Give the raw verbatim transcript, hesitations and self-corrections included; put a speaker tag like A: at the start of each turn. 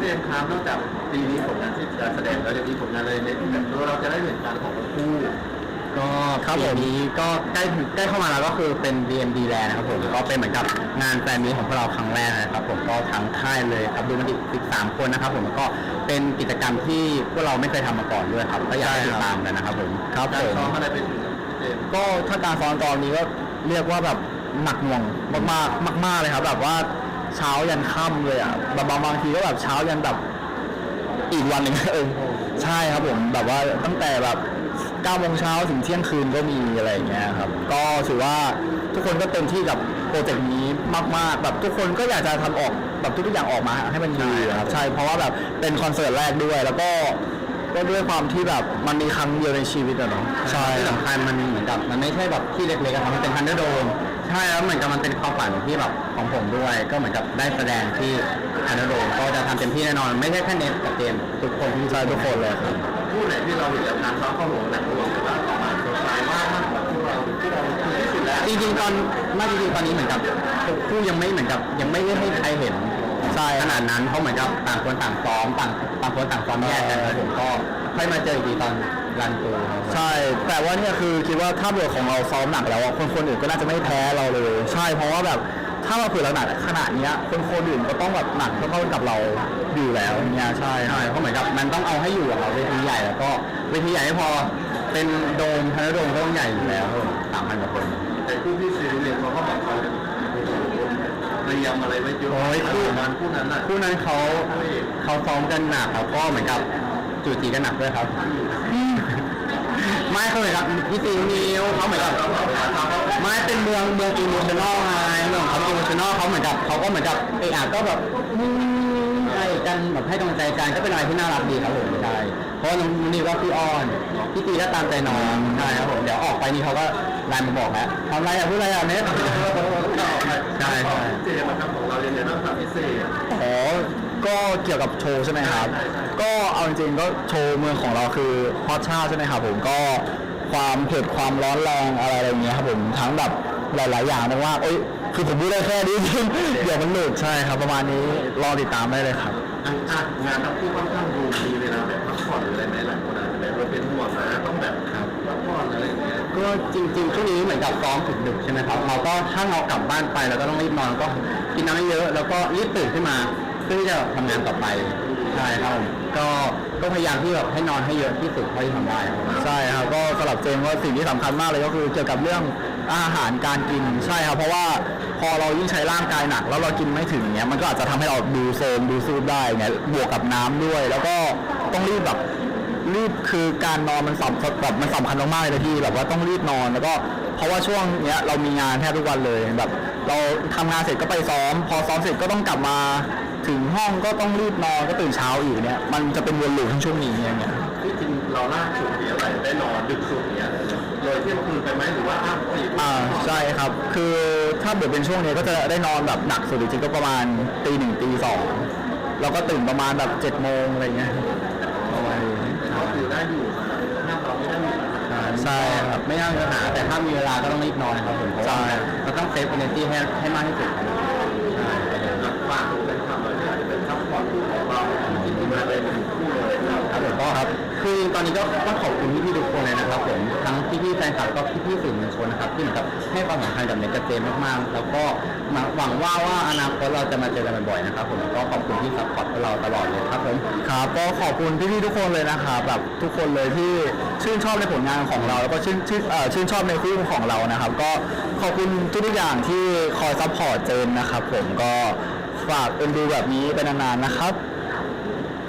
A: มส์ครับนอกจากปีนี้ผลงานที่การแสดงแล้วจะมีผลงานอะไรในที่แบบเราจะได้เห็นการของคู่
B: ก็ปีนี้ก็ใกล้ใกล้เข้ามาแล้วก็คือเป็น ดี เอ็ม ดี Land นะครับผมก็เป็นเหมือนกับงานแฟนมีตของพวกเราครั้งแรกนะครับผมก็ทั้งค่ายเลยครับดูมันอีกสิบสามคนนะครับผมก็เป็นกิจกรรมที่พวกเราไม่เคยทำมาก่อนด้วยครับก็อยากให้ติดตามกันนะครับผม
A: ครับผมซ้อมอะไรเป็น
B: ก็ถ้าการซ้อมตอนนี้ก็เรียกว่าแบบหนักหน่วงมากๆมากๆเลยครับแบบว่าเช้ายันค่ำเลยอ่ะบางบางทีก็แบบเช้ายันแบบอีกวันหนึ่งเออใช่ครับผมแบบว่าตั้งแต่แบบเก้าโมงเช้าถึงเที่ยงคืนก็มีอะไรอย่างเงี้ยครับก็ถือว่าทุกคนก็เต็มที่กับโปรเจกต์นี้มากๆแบบทุกคนก็อยากจะทำออกแบบทุกอย่างออกมาให้มันดีครับใช่เพราะว่าแบบเป็นคอนเสิร์ตแรกด้วยแล้วก็ก็ด้วยความที่แบบมันมีครั้งเดียวในชีวิตอะเนาะใช่ที่สำคัญมันเหมือนกับมันไม่ใช่แบบที่เล็กๆครับมันเป็นทันเดอร์โดมใช่แล้วเหมือนกับมันเป็นความฝันที่แบบของผมด้วยก็เหมือนกับได้แสดงที่ทันเดอร์โดมก็จะทำเต็มที่แน่นอนไม่ใช่แค่เน็ตกับเจมทุกคนที่ใช่ทุกคนเลยครับ
A: คู่ไหนที่เราเห็นแล้วการซ้อมข้อมูลหนักหน่วงหรือว่าต่อมาสดใสมากมากกว่าคู่เราที่เราที่สุดแล้ว
B: จริงๆตอนไม่จริงๆตอนนี้เหมือนกับคู่ยังไม่เหมือนกับยังไม่ได้ให้ใครเห็นใช่ขนาดนั้นเพราะเหมือนกับต่างคนต่างซ้อมต่างต่างคนต่างซ้อมแยกกันแล้วผมก็ค่อยมาเจออีกทีตอนรันตูใช่แต่ว่าเนี่ยคือคิดว่าถ้าเบื่อของเราซ้อมหนักแล้วคนคนอื่นก็น่าจะไม่แพ้เราเลยใช่เพราะว่าแบบถ้าเราฝืนเราหนักขนาดนี้คนคนอื่นก็ต้องแบบหนักเท่ากับเราอยู่แล้วเนี่ยใช่ใช่เพราะเหมือนกับมันต้องเอาให้อยู่กับเราเวทีใหญ่แล้วก็เวทีใหญ่ไม่พอเป็นโดมทันโดมก็ต้องใหญ่อยู่แล้วสามพันกว่าคน
A: แต่คู่ที่ซีรีส์เขาก็บอกเขาเตรียมอะไรไว้เยอะ
B: โอ้ยคู่
A: นั้นคู่นั้นน่ะ
B: คู่นั้นเขาเขาซ้อมกันหนักเขาก็เหมือนกับจูจีกันหนักด้วยครับไม่เขาเหมือนกับพี่ซีนิวเขาเหมือนกับไม่เป็นเมืองเมืองอิโมชันอลไงเมืองเขาอิโมชันอลเขาเหมือนกับเขาก็เหมือนกับเออก็แบบให้กันแบบให้กำลังใจกันก็เป็นอะไรที่น่ารักดีครับผมใช่เพราะน้องนิวก็พี่อ้อนพี่ตีก็ตามใจน้องใช่ครับผมเดี๋ยวออกไปนี่เขาก็ไลน์มาบอกแล้วทำอะไรอ่ะพูดอะไรอ่ะเน็ตใช่ใช่
A: เจมาทำของเราเนี่ยต้องทำพิเศษ
B: อ๋อก็เกี่ยวกับโชว์ใช่ไหมครับก็เอาจริงๆก็โชว์เมืองของเราคือฮอตชาใช่ไหมครับผมก็ความเผ็ดความร้อนแรงอะไรอะไรเงี้ยครับผมทั้งแบบหลายๆอย่างนะว่าเอ้ยคือผมพูดได้แค่นี้เดี๋ยวมันหลุดใช่ครับประมาณนี้รอติดตามได้เลยครับ
A: อ่ะงานทั้งคู่ค่อนข้างดูมีเวลาแบบพักผ่อนหรืออะไรไหมหลายคนอาจจะแบบเราเป็นห่วงนะต้องแบบพักผ่อนอะไรอย่างเงี้ย
B: ก็จริงๆช่วงนี้เหมือนกับซ้อมถึงดึกใช่ไหมครับเราก็ถ้าเรากลับบ้านไปเราก็ต้องรีบนอนก็กินน้ำเยอะแล้วก็รีบตื่นขึ้นมาเพื่อที่จะทำงานต่อไปใช่ครับก็ก็พยายามที่แบบให้นอนให้เยอะที่สุดเท่าที่ทำได้ใช่ครับก็สำหรับเจมส์ว่าสิ่งที่สำคัญมากเลยก็คือเกี่ยวกับเรื่องอาหารการกินใช่ครับเพราะว่าพอเรายิ่งใช้ร่างกายหนักแล้วเรากินไม่ถึงเงี้ยมันก็อาจจะทำให้เราดูโซมดูซูบได้เงี้ยบวกกับน้ำด้วยแล้วก็ต้องรีบแบบรีบคือการนอนมันสำคัญแบบมันสำคัญมากๆเลยที่แบบว่าต้องรีบนอนแล้วก็เพราะว่าช่วงเนี้ยเรามีงานแทบทุกวันเลยแบบเราทำงานเสร็จก็ไปซ้อมพอซ้อมเสร็จก็ต้องกลับมาถึงห้องก็ต้องรีบนอนก็ตื่นเช้าอีกเนี่ยมันจะเป็นวนลูปทั้งช่วงนี้อย่างเงี้ย
A: ที่จริงเราล่าสุดเนี่ยอะไรได้นอนดึกสุดเนี่ยเลยเที่ยงคืนไปไหมหรือว่าอ้าวสี่
B: อ่าใช่ครับคือถ้าเกิดเป็นช่วงนี้ก็จะได้นอนแบบหนักสุดจริงๆก็ประมาณตีหนึ่งตีสองแล้วก็ตื่นประมาณแบบเจ็ดโมงอะไรเงี้ยประมาณนี้
A: ก็คือได้อยู่ห้ามเราไม่ได้มี
B: ใช่ครับไม่น่ามีปัญหาแต่ถ้ามีเวลาก็ต้องรีบนอนนะครับผมเพราะว่าเราต้องเซฟเอเนอร์จีให้ให้มากที่สุดใช่
A: ฝากเป็นคำเลยที่อาจจะเป็นซัพพอร์ตคู่ของเราที่ที่มาเลยเป็นคู่เลย
B: ครับผมก็ครับคือตอนนี้ก็ต้องขอบคุณพี่ๆทุกคนเลยนะครับผมทั้งพี่ๆแฟนคลับก็พี่ๆสื่อมวลชนนะครับที่เหมือนกับให้ความสำคัญกับเน็ตกับเจมมากๆแล้วก็หวังว่าว่าอนาคตเราจะมาเจอกันบ่อยๆนะครับผมก็ขอบคุณที่ซัพพอร์ตพวกเราตลอดเลยครับผมครับก็ขอบคุณพี่ๆทุกคนเลยนะครับแบบทุกคนเลยที่ชื่นชอบในผลงานของเราแล้วก็ชื่นชื่นชื่นชอบในคู่ของเรานะครับก็ขอบคุณทุกๆอย่างที่คอยซัพพอร์ตเจมนะครับผมก็ฝากเอ็นดูแบบนี้ไปนานๆนะครับ